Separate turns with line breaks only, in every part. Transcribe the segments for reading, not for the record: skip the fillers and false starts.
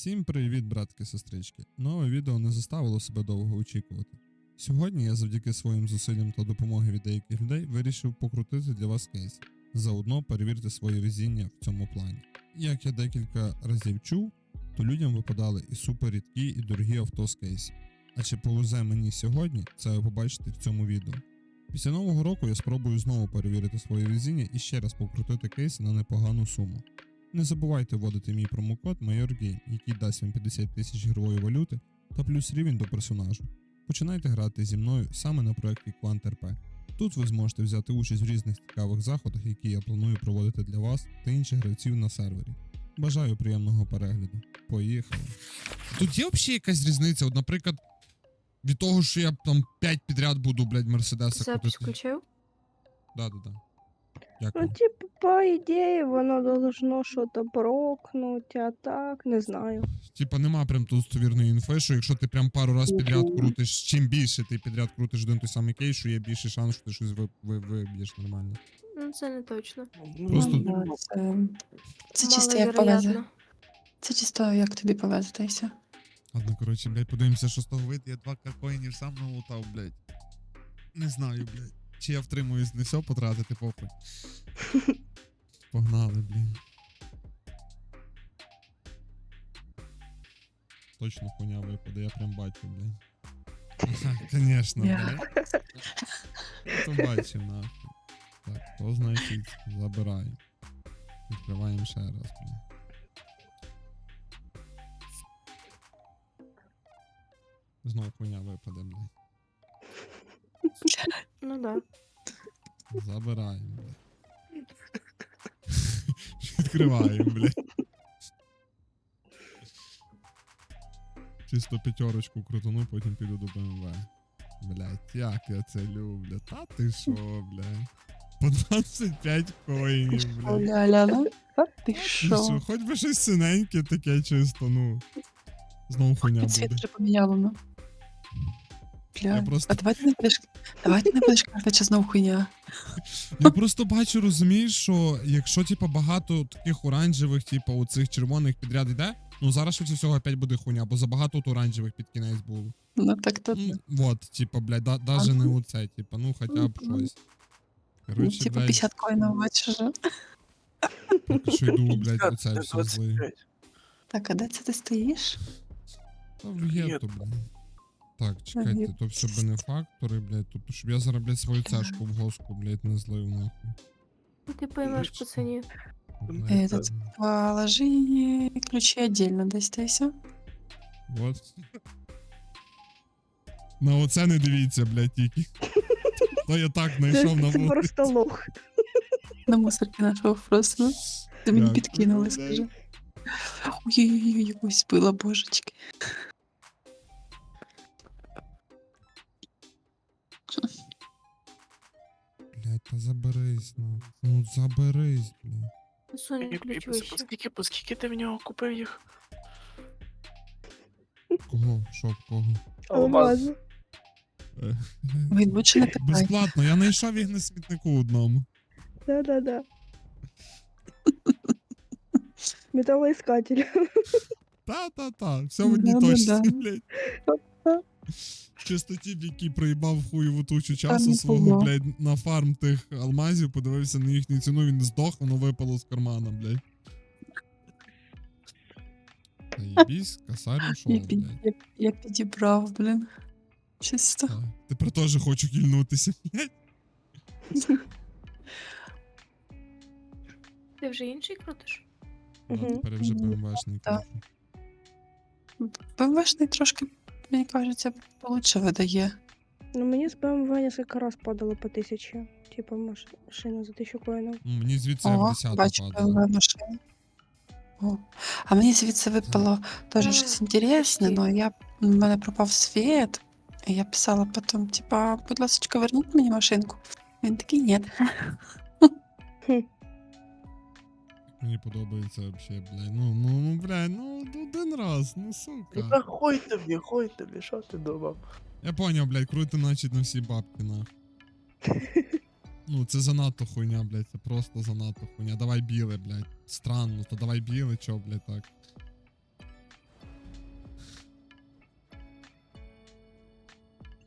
Всім привіт, братки-сестрички. Нове відео не заставило себе довго очікувати. Сьогодні я завдяки своїм зусиллям та допомоги від деяких людей вирішив покрутити для вас кейс. Заодно перевірте своє везіння в цьому плані. Як я декілька разів чув, то людям випадали і супер рідкі, і дорогі авто з кейсів. А чи повезе мені сьогодні, це ви побачите в цьому відео. Після нового року я спробую знову перевірити своє везіння і ще раз покрутити кейс на непогану суму. Не забувайте вводити мій промокод MajorGame, який дасть вам 50 тисяч ігрової валюти та плюс рівень до персонажу. Починайте грати зі мною саме на проєкті QuantRP. Тут ви зможете взяти участь в різних цікавих заходах, які я планую проводити для вас та інших гравців на сервері. Бажаю приємного перегляду. Поїхали. Тут є взагалі якась різниця? От, наприклад, від того, що я там 5 підряд буду, блядь, Мерседеса
Запись
крутити.
включив?
Да.
Ну,
Дякую.
типа, по идее, воно должно что-то прокнуть, а так, не знаю.
Типа нема прям тут достовірної інфи, що якщо ти прям пару раз підряд крутиш, чим більше ти підряд крутиш один той самий кейс, що є більший шанс, що ти щось виб'єш нормально.
Ну, це не точно.
Просто-
Ну, да, це чисто як
Маловероятно.
повезе. Це чисто як тобі повезе, та й все.
Ладно, коротше, блядь, подивимося, що з того вийде. Я 2 коїнів сам налутав, блядь. Не знаю, блядь. Чи я втримуюсь не все потратити, похуй. Погнали, блядь. Точно хуйня випаде, я прям бачу, блядь. Конечно, блядь. То бачив, нахуй. Так, то значить забираємо. Відкриваємо ще раз, блядь. Знову хуйня випаде, блядь.
Ну да.
Забираємо, блядь. Відкриваємо, блядь. Чисто п'ятерочку крутану, потім піду до БМВ. Блядь, як я це люблю. Та ти шо, блядь. По 25 коїнів, блядь.
Ля-ля-ля. А ти
Ти
що?
що, хоч би щось синеньке таке чисто, ну. Знову хуйня
Цвіт
буде.
вже поміняло, ну.
Я
Бля,
просто-
а давайте не будеш казати, що знову хуйня.
Я просто бачу, розумієш, що якщо, типа, багато таких оранжевих, типа, оцих червоних підряд йде, ну зараз швидше всього опять буде хуйня, бо забагато от оранжевих під кінець було.
Ну так то.
Ну, вот, типа, блядь, даже не оце, типа, ну хоча б щось.
Ну,
Короче,
типу
блядь,
50 коїнів бачиш вже.
поки що йду, блядь, оце все злий.
Так, а де це ти стоїш?
Та в гетто, блядь. Так, чекайте, то все бенефактори, блядь, тобто, щоб я зараз, блядь, свою цешку в госку, блядь, не злив, нахуй.
Ну, ти поймеш, пацані.
Этот, положи ключі отдельно десь, та й все.
Вот. На оце не дивіться, блядь, тільки. То я так знайшов на
Це
вулиці.
просто лох.
На мусорки нашого просто. Ти мені
Дякую,
підкинули,
блядь.
скажи. Ой-ой-ой, якусь била, божечки.
Блядь, та заберись, ну. Ну, заберись, блядь.
Сонь, ключ вище.
Скільки ти в нього купив їх?
Кого? Що, в кого?
Алмази.
Він більше не питає.
Безплатно, я знайшов їх на смітнику одному.
Да. Металоискатель.
Та, все в одній
Да-да-да.
точці, блядь. Чисто тіп, який проїбав хуєву тучу часу
не
свого,
було.
блядь, на фарм тих алмазів, подивився на їхню ціну, він здох, воно випало з кармана, блядь. Та єбісь, косарь ушов, блядь.
Я підібрав, блін. Чисто.
Так. Тепер теж хочу кільнутися, блядь.
Ти вже інший крутиш?
Ну,
Мгм.
тепер я вже БМВшний
Так.
кручу.
БМВшний трошки, мені кажеться, получше видає.
Ну, мені з БМВ несколько раз падало по 1000. Типа машина за 1000 коїнів.
Ну, мені звідси
О,
F10
бачу,
падало.
БМВ машина. О. А мені звідси випало теж
А,
щось інтересне,
почти.
але в мене пропав світ. І я писала потім, типа, будь ласка, верніть мені машинку. Він такий, ні.
Мені подобається вообще, блядь. Ну, блядь, ну один раз, ну сука.
Та хуй тобі, що ти думав?
Я поняв, блядь, крути начать на всі бабки, на. Ну, це занадто хуйня, блядь, це просто занадто хуйня. Давай біле, блядь. Странно, то давай біле, чо, блядь, так.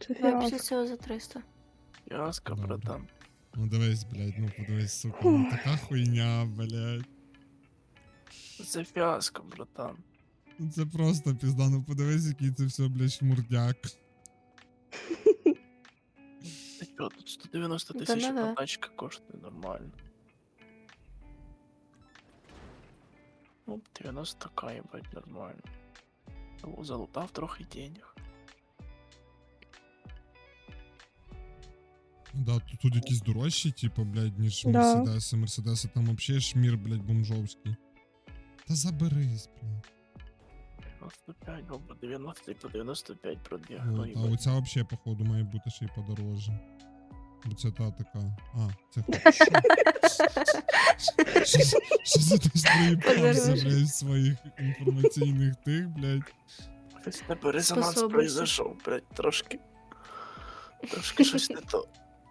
Це
Давай після
фіаско.
цього за 300.
Яска,
Добре.
братан.
Ну дивись, блядь, ну подивись, сука, ну така хуйня, блядь.
Це фіаско, братан.
Ну це просто пізда, ну подивись, який це все, блядь, шмурдяк.
Та чого, тут 190
Та
тисяч
да-да.
одна тачка коштує нормально. Ну, 90к, ебать, нормально. Залутав трохи денег.
Да, тут якісь дорожчі, типу, блядь, ніж
Да.
Мерседеси. Мерседеси там вообще шмір, блядь, бомжовський. Та заберись, блядь.
95, або 90 і по 95 пробіг.
От,
Ну,
а
їбать.
оця вообще, походу, має бути ще й подорожче. Бо це та така. А, це що за хтось проїбався,
Подорожче.
блядь, в своїх інформаційних тих, блядь.
Ось в тебе резонанс
Способності.
произошов, блядь, трошки. Трошки щось не то.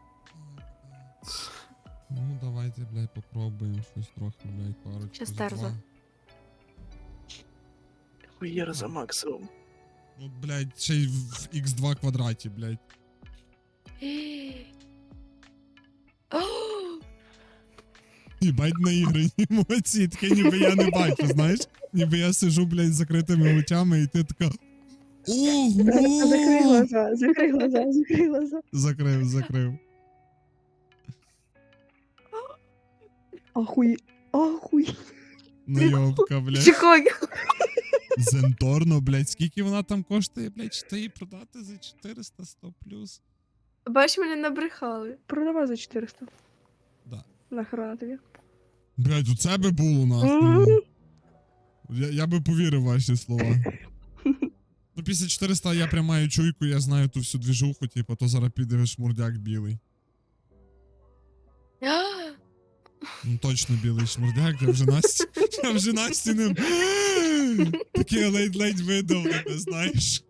Ну, давайте, блядь, попробуємо щось трохи, блядь, парочку.
Щас
за
терза.
два.
Хуєр за максимум.
Ну, блядь, ще й в x2 квадраті, блядь. Їбать наіграні емоції, таке ніби я не бачу, знаєш? Ніби я сижу, блядь, з закритими очами, і ти така.
Закрий
Ого!
глаза, закрий глаза, закрий глаза.
Закрив.
Ахуй. Ахуй.
Найобка, блядь.
Чекай.
Зенторно, блядь, скільки вона там коштує, блядь, чи ти її продати за 400, 100 плюс?
Бач, мене набрехали.
Продавай за 400.
Да.
Нахрена тобі.
Блядь, у це би було нахуй.
Мгм.
Я би повірив в ваші слова. Ну, після 400 я прям маю чуйку, я знаю ту всю двіжуху, типу, то зараз піде шмурдяк білий. Ну точно білий шмурдяк, я вже Насті ним таке ледь-ледь видав, не знаєш.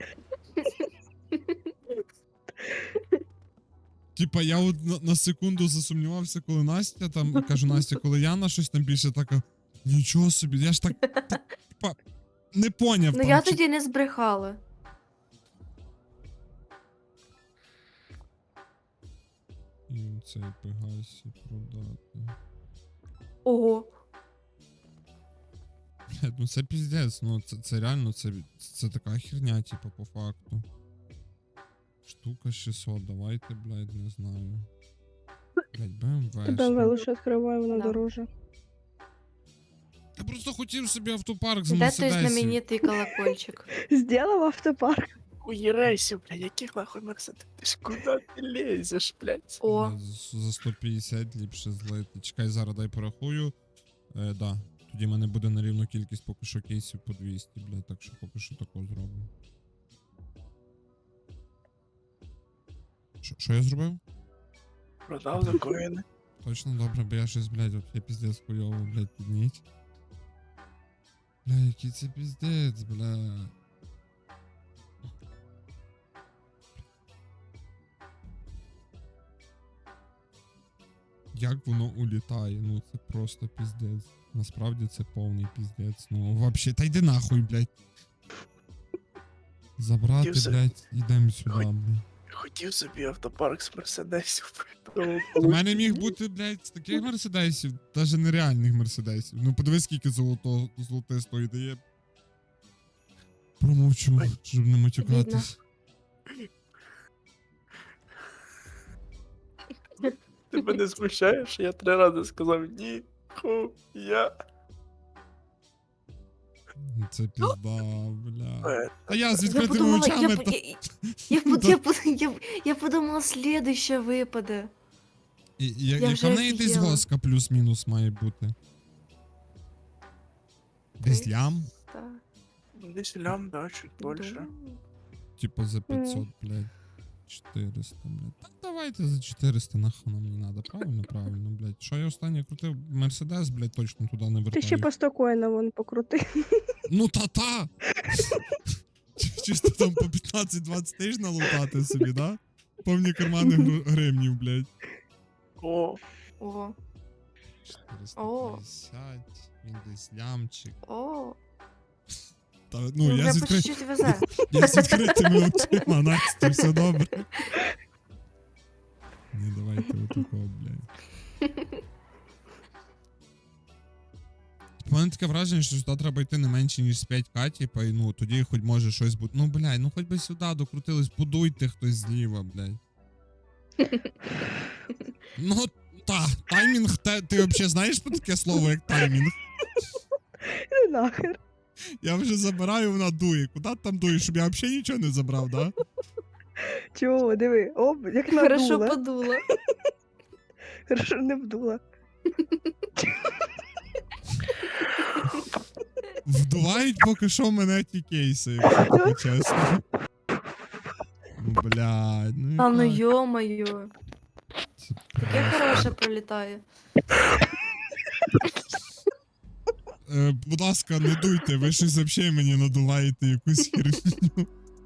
Типа я от на секунду засумнівався, коли Настя там, кажу, Настя, коли Яна щось там більше така, нічого собі, я ж так типа, не поняв.
Ну
там,
я
чи-
тоді не збрехала.
І цей Пегасі продати.
Ого.
Блядь, ну це піздець, ну це реально, це така херня, типа, по факту. Штука 600, давайте, блядь, не знаю. Блядь, BMW.
БМВ лише відкриває, воно
Да.
дороже.
Я просто хотів собі автопарк з
Де той
Мерседесів.
знаменитий колокольчик?
Сделав автопарк.
Хуєрейсів, блядь, яких нахуй Мерседес? Ти ж куди ти лезеш, блядь?
О,
Блядь, за 150 ліпше злити. Чекай, зараз дай порахую. Да. Тоді в мене буде на рівну кількість поки що кейсів по 200, блядь, так що поки що такого зроблю. Що я зробив?
Продав за коїни.
Точно добре, бо я щось, блядь, вообще піздець хуйово, блядь, підніть. Бля, який це піздець, бля. Як воно улітає, ну це просто піздець. Насправді це повний піздець. Ну вообще, та йди нахуй, блядь. Забрати,
Хотів за-
блядь, ідем сюди, блядь.
Хотів собі автопарк з Мерседесів.
У мене міг бути, блядь, з таких мерседесів, навіть нереальних мерседесів. Ну подивись, скільки золотистої дає. Промовчу,
Ой.
щоб не матюкатись.
Тебе не смущаєш? Я 3 рази сказав ні, хуя.
Це пізда, бля.
Е,
А я з
я
відкритими
подумала,
очами.
я подумала, следующее випаде.
Яка
вже
в неї десь
офігела.
госка плюс-мінус має бути? Десь лям?
Так.
Десь лям, да, чуть більше.
Думаю.
Типа за 500, блядь. 400, блядь. Так давайте за 400, нахуй нам не надо. Правильно, блядь. Що я останнє крутив? Мерседес, блядь, точно туди не
Ти ще
вертаю.
по 100 коїна вон покрути.
Ну та-та! Чисто там по 15-20 тисяч налутати собі, да? Повні кармани гривнів, блядь.
О,
Ого.
450, він десь лямчик.
О.
Та,
Ну,
ну, я
вже
з,
по
відкри...
чуть-чуть везе.
я з відкритими очима, Настя, все добре. Ні, давайте отакого, блядь. У мене таке враження, що сюди треба йти не менше, ніж з 5К, типа, і ну, тоді хоч може щось бути. Ну, блядь, ну хоч би сюди докрутились, будуйте хтось зліва, блядь. Ну, таймінг, ти взагалі знаєш про таке слово, як таймінг?
Ну нахер.
Я вже забираю, вона дує. Куди ти там дуєш, щоб я взагалі нічого не забрав, да?
Чого, диви, оп, як
Хорошо
надула.
подула.
Хорошо не вдула.
Вдувають поки що мене ті кейси, якщо тобі чесно. Ну, блядь, ну
А ну
яка
ё-моё.
це
Таке хороше пролітає.
Будь ласка, не дуйте, ви щось взагалі мені надуваєте якусь херню.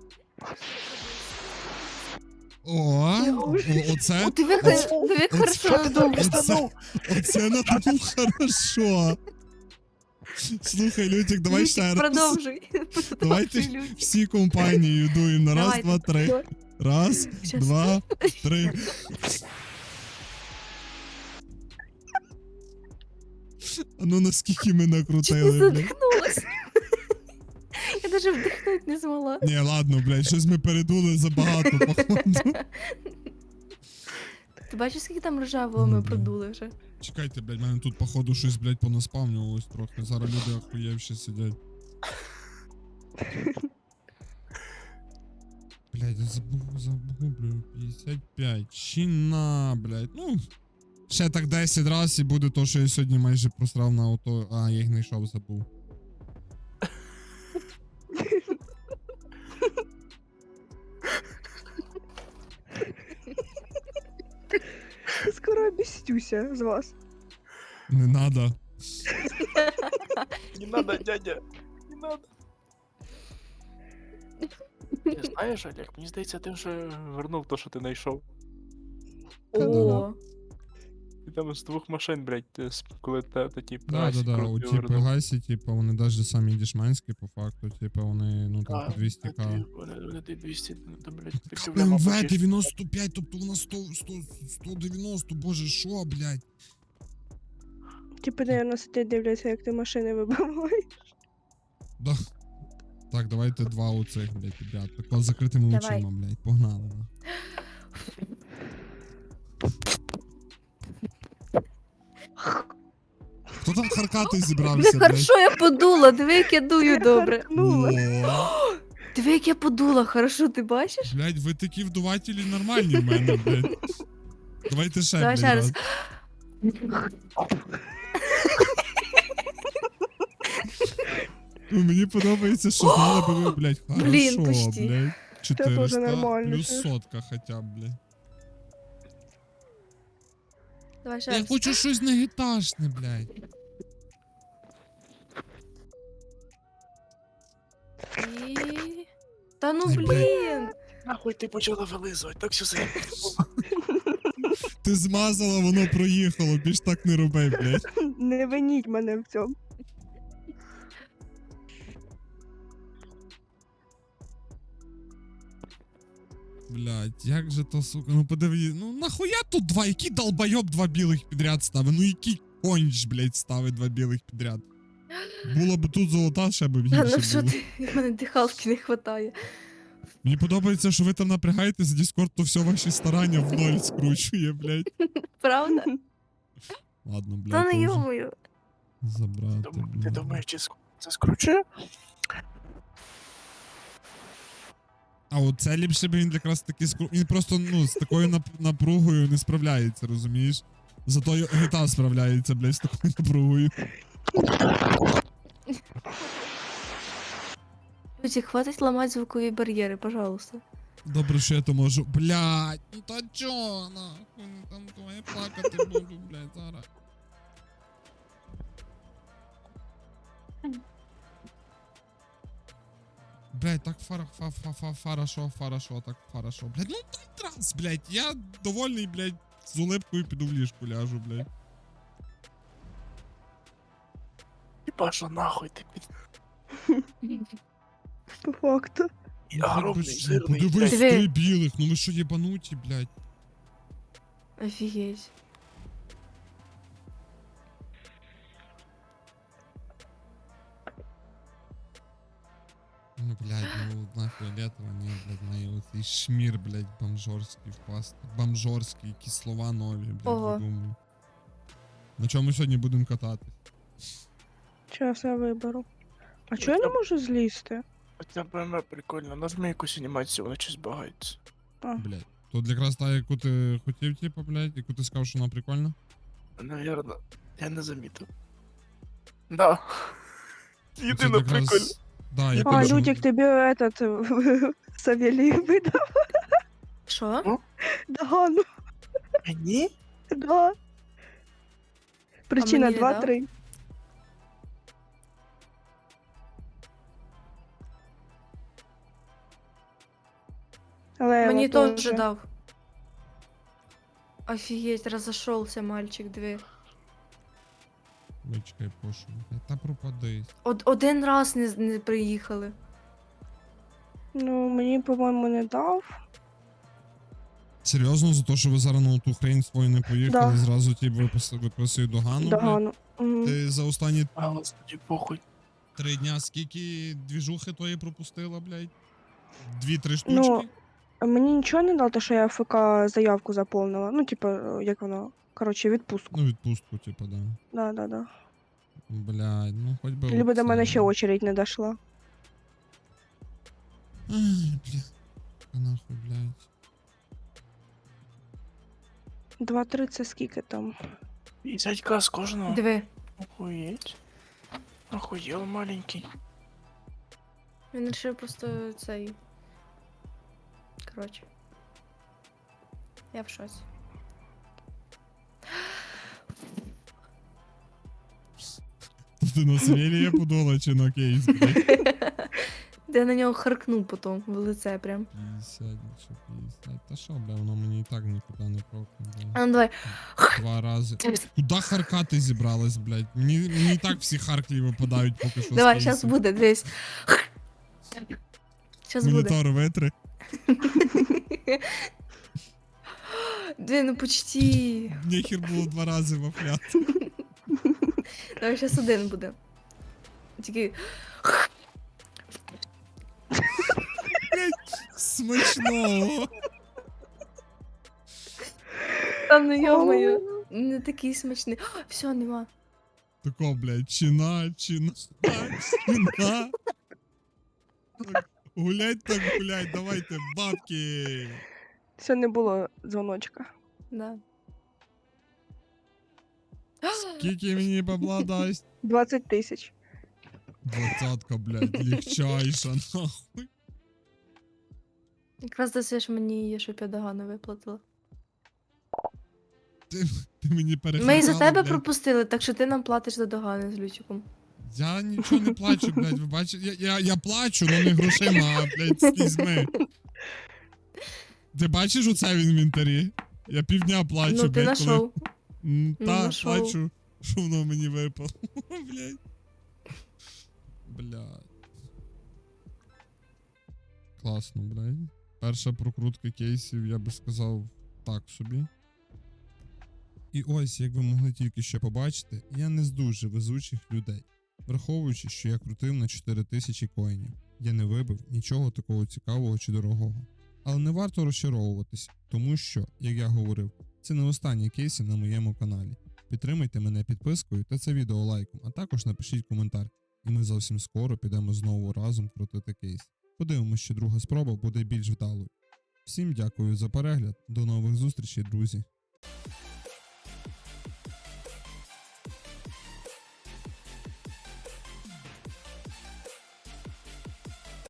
Оце,
О, диви, як хорошо надув.
оце надув хорошо. Слухай, Лютик, давай ще раз.
Продовжуй.
Давайте
Продовжуй, Люд.
всі компанією дуємо на раз,
Давайте.
два, три. Раз,
Щас.
два, три. А ну наскільки ми
Чуть не
накрутили, блядь.
задихнулась. Я даже вдихнути не змогла.
Ні, ладно, блядь, щось ми передули забагато, походу.
Ти бачиш, скільки там ржавого ми продули вже?
Чекайте, блядь, мене тут, походу, щось, блядь, понаспавнювалось трохи. Зараз люди охуєвші сидять. Блядь, я загублю. 55. Чина, блядь. Ну, ще так 10 раз і буде то, що я сьогодні майже просрав на авто. А, я їх не йшов, забув.
Скоро обістюся з вас.
Не надо.
Не надо, дядя. Не надо. Ти знаєш, Олег, мені здається, ти вже вернув то, що ти знайшов.
О,
Ти там з двох машин, блядь, коли ті
Да, у ті Пегасі, типа, вони навіть самі дешманські, по факту, типа, вони, ну, там, по 200к.
Вони 200, там, блядь, такі
МВ 95, тобто вона 190, боже, що, блядь?
Типу, наверное, сидять дивляться, як ти машини вибиваєш.
Да. Так, давайте два оцих, блядь, підряд. Тако з закритими
Давай.
очима, блядь, погнали. на. Хто там харкати зібрався,
диви,
блядь?
хорошо я подула, диви, як я дую добре.
Харкнула.
О,
Диви, як я подула, хорошо, ти бачиш?
блядь, ви такі вдувателі нормальні в мене, блядь. Давайте ще,
Давай
блядь,
ще
раз.
раз.
Ну, мені подобається, що знали би ви, блядь, хорошо,
Блін, почти.
блядь. 400
нормально,
плюс
це.
сотка хоча б, блядь.
Давай ще
Я
раз.
хочу щось негітажне, блядь.
І... Та ну
Ай, блядь.
блін!
Нахуй ти почала вилизувати, так все
Ти змазала, воно проїхало, більш так не роби, блядь.
Не виніть мене в цьому.
Блядь, як же то, сука, ну подиви, ну нахуя тут два, який долбойоб два білих підряд ставить, ну який конч, блядь, ставить два білих підряд. Було б тут золота, ще б
Та
більше
ну що
було.
ти, в мене дихалки не хватає.
Мені подобається, що ви там напрягаєтесь, Discord, то все ваші старання в ноль скручує, блядь.
Правда?
Ладно, блядь,
Та
то
не
вже
йомою.
забрати,
Ти
блядь.
думаєш, чи це скручує?
А от це ліпше б він якраз таки він просто, ну, з такою напругою не справляється, розумієш? Зато GTA справляється, блядь, з такою напругою.
Люди, хватить ламати звукові бар'єри, пожалуйста.
Добре, що я то можу. Блядь, ну та чо, нахуй, ну там то я плакати буду, блядь, зараз. Блядь, так хорошо, так хорошо. Блядь, ну так раз, блядь, я довольний, блядь, з улипкою піду в ліжку ляжу, блядь.
Хіба що нахуй ти
По факту.
І
Ну,
огромний,
хоч би що,
жирний.
подивись,
блядь.
Диви.
3 білих, ну ви що єбануті, блядь.
Офігеть.
Ну, блядь, ну одна фіолетова, ні, блядь, в неї оцей шмір, блядь, бомжорський впасти. Бомжорський, які слова нові, блядь,
Ого.
видумую. На чому сьогодні будемо кататись?
Зараз я виберу. А чого я не можу злізти?
Оця БМВ прикольно, нажми якусь анімацію, вона щось багається.
А,
Блядь. Тут якраз та, яку ти хотів, типу, блядь, яку ти сказав, що вона прикольна.
Навірно, я не замітив. Да.
Це
Єдине
якраз-
прикольно.
Да, я
а
кажу,
Людік, тобі этот Савелій видав
Що?
догану.
Мені?
Да. Причина
мені не дав?
2-3. Лева
Мені теж
тоже.
дав. Офігеть, розійшовся мальчик, диви.
Вичекай, пошу. Та пропадись.
Один раз не приїхали.
Ну, мені, по-моєму, не дав.
Серйозно, за те, що ви зараз на ту хрень свою не поїхали,
Да.
зразу ті виписують догану, блядь?
Догану. Мгм.
Ти за останні
А, господи, похуй.
3 дня скільки двіжухи тої пропустила, блядь? 2-3 штучки?
Ну, Мені нічого не дав, те, що я ФК заявку заповнила. Ну, типу, як воно. Коротше, відпустку.
Ну, відпустку, типу, да.
Да.
Блядь, ну хоч би.
Либо до
оце.
мене ще очередь не дошла.
Ай, блядь. Та нахуй, блядь.
2-3 це скільки там?
50к з кожного.
Диви.
Охуєть. Охуєл маленький.
Він вирішив просто цей. Коротше. Я в шоці.
Ти на Савелія подула чи на кейс, блядь?
Де я на нього харкнув потім в лице прям.
50, якщо 50. Та що, бля, воно мені і так нікуди не прокне, блядь.
А ну давай.
2 рази. Куда харкати зібралась, блядь? Мені і так всі харклі випадають поки що.
Давай,
з
зараз
кейсів.
буде, дивись. Зараз буде.
Монітор витри.
Диви, ну почти.
Нехер було 2 рази вафляти.
Давай, зараз один буде. Тільки.
Смачного.
Та ну йо-моє. Не такий смачний. Все, нема.
Тако, блядь, чина. Так, гулять так гулять, давайте, бабки.
Це не було дзвоночка.
Да.
Скільки мені бабла дасть?
20 тисяч.
20-ка, блядь, легчайша, нахуй.
Якраз досиш мені її, щоб я догану виплатила.
Ти мені перехватила,
Ми і за тебе
блядь.
пропустили, так що ти нам платиш за догани з Лючиком.
Я нічого не плачу, блядь, ви бачите? Я плачу, але не грошима, а, блядь, слізьми. Ти бачиш оце в інвентарі? Я півдня плачу,
Ну ти
блядь, коли...
знайшов.
Та,
знайшов.
плачу, що воно мені випало, блядь. Блядь. Класно, блядь. Перша прокрутка кейсів, я би сказав, так собі. І ось, як ви могли тільки що побачити, я не з дуже везучих людей. Враховуючи, що я крутив на 4000 коїнів, я не вибив нічого такого цікавого чи дорогого. Але не варто розчаровуватись, тому що, як я говорив, це не останні кейси на моєму каналі. Підтримайте мене підпискою та це відео лайком, а також напишіть коментар, і ми зовсім скоро підемо знову разом крутити кейс. Подивимося, що друга спроба буде більш вдалою. Всім дякую за перегляд, до нових зустрічей, друзі!